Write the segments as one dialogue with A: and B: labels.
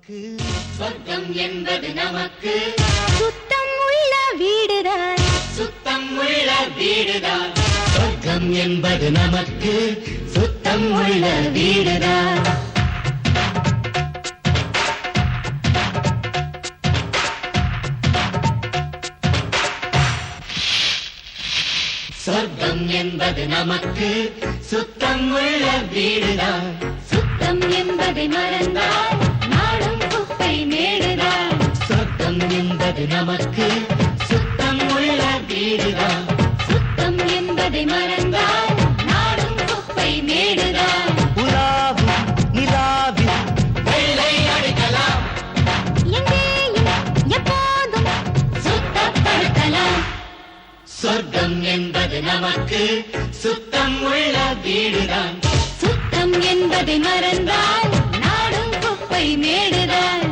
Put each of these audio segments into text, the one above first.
A: நமக்கு
B: சொர்க்கம் என்பது நமக்கு
C: சுத்தம் உள்ள வீடுதான்
B: சுத்தம் உள்ள வீடுதான் சொர்க்கம் என்பது நமக்கு சுத்தம் உள்ள வீடுதான் சொர்க்கம் என்பது நமக்கு சுத்தம் உள்ள வீடுதான்
C: சுத்தம் என்பதை மறந்தால் நாடும் குப்பை மேடுதான்
B: சொர்க்கம் என்பது நமக்கு சுத்தம் உள்ள வீடுதான்
C: சுத்தம் என்பதை மறந்தால் நாடும் குப்பை மேடுதான்
A: உலாவும் நிலாவில்
B: வெள்ளை அடிக்கலாம்
C: எங்கேயும் எப்போதும் சுத்தப்படுத்தலாம்
B: சொர்க்கம் என்பது நமக்கு சுத்தம் உள்ள வீடுதான்
C: சுத்தம் என்பதை மறந்தால் நாடும் குப்பை மேடுதான்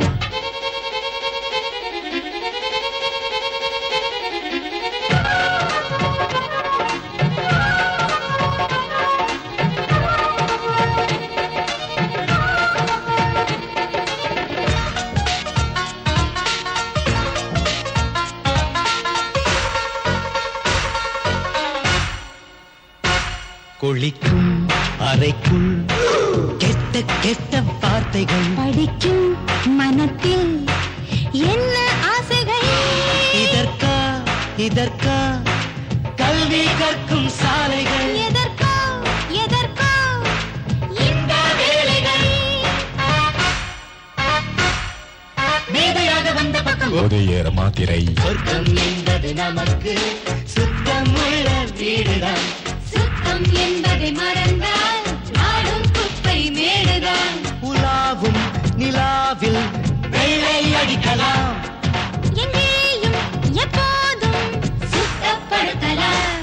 A: குளிக்கும் அறைக்குள் கெட்ட கெட்ட வார்த்தைகள்
C: படிக்கும் மனத்தில் என்ன ஆசைகள்
A: இதற்கா இதற்கா கல்வி கற்கும் சாலைகள்
C: எதற்கோ எதற்கோ இந்த வேலைகள்
B: மேதையாக வந்த பக்கம்
D: போதையேற மாத்திரை
B: சொர்க்கம் என்பது நமக்கு சுத்தம் உள்ள வீடுதான்
C: சுத்தம் என்பதை மறந்தால் நாடும் குப்பை மேடுதான்
A: உலாவும் நிலாவில்
B: வெள்ளை அடிக்கலாம்
C: எங்கேயும் எப்போதும் சுத்தப்படுத்தலாம்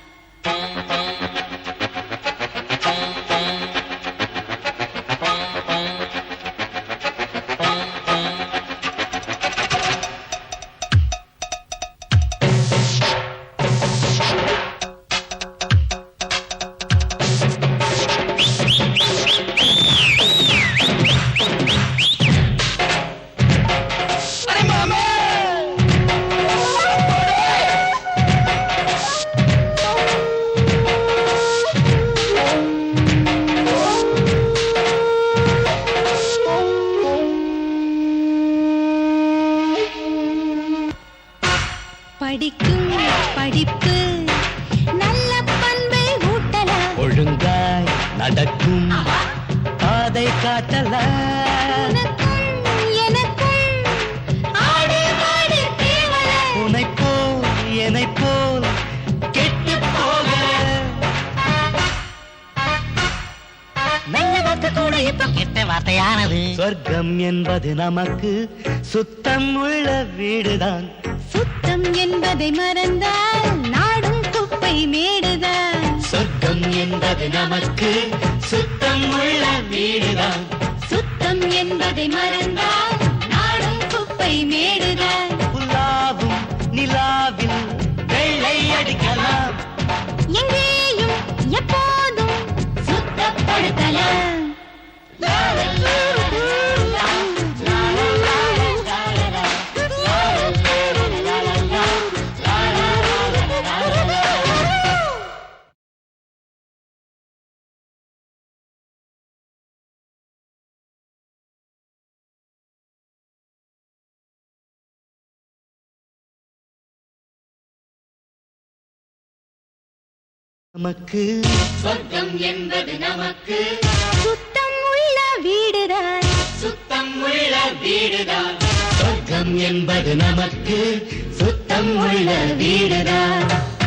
C: படிக்கும் படிப்பு நல்ல பண்பை ஊட்டலாம்
A: ஒழுங்காய் நடக்கும் பாதை காட்டலாம்
C: உனக்கும் எனக்கும் ஆடு மாடு தேவலை
A: உனைப் போல் என்னைப் போல் கெட்டு போக
B: நல்ல வார்த்தை கூட இப்ப கெட்ட வார்த்தையானது
A: சொர்க்கம் என்பது நமக்கு சுத்தம் உள்ள வீடுதான்
C: சுத்தம் என்பதை மறந்தால் நாடும் குப்பை மேடுதான்
B: சொர்க்கம் என்பது நமக்கு சுத்தம் உள்ள வீடுதான்
C: சுத்தம் என்பதை மறந்தால் நாடும் குப்பை மேடுதான்
A: உலாவும் நிலாவில்
B: வெள்ளை அடிக்கலாம்
C: எங்கேயும் எப்போதும் சுத்தப்படுத்தலாம்
A: நமக்கு
B: சொர்க்கம் என்பது நமக்கு
C: சுத்தம் உள்ள வீடுதான்
B: சுத்தம் உள்ள வீடுதான் சொர்க்கம் என்பது நமக்கு சுத்தம் உள்ள வீடுதான்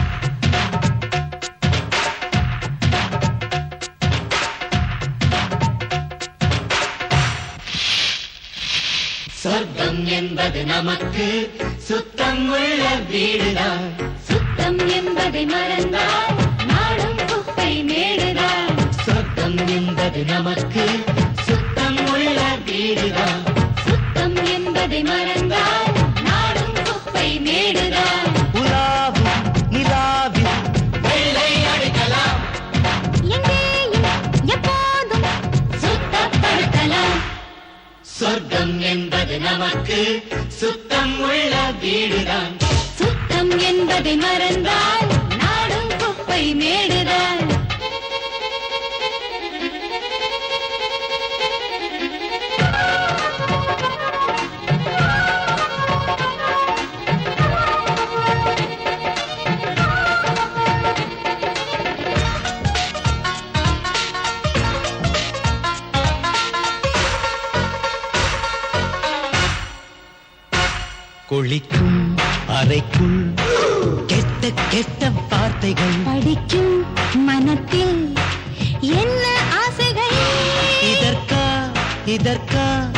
B: சொர்க்கம் என்பது நமக்கு சுத்தம் உள்ள வீடுதான்
C: சுத்தம் என்பதை மறந்தால் நாடும் குப்பை மேடுதான்
B: சொர்க்கம் என்பது நமக்கு சுத்தம் உள்ள வீடுதான்
C: சுத்தம் என்பதை மறந்தால் நாடும் குப்பை மேடுதான்
A: உலாவும் நிலாவில்
B: வெள்ளை அடிக்கலாம்
C: எங்கேயும் எப்போதும் சுத்தப்படுத்தலாம்
B: சொர்க்கம் சுத்தம் என்பது நமக்கு சுத்தம் உள்ள வீடுதான்.
C: சுத்தம் என்பதை மறந்தால் நாடும் குப்பை மேடுதான்.
A: குளிக்கும் அறைக்குள் கெட்ட கெட்ட வார்த்தைகள்
C: படிக்கும் மனத்தில் என்ன ஆசைகள்
A: இதற்கா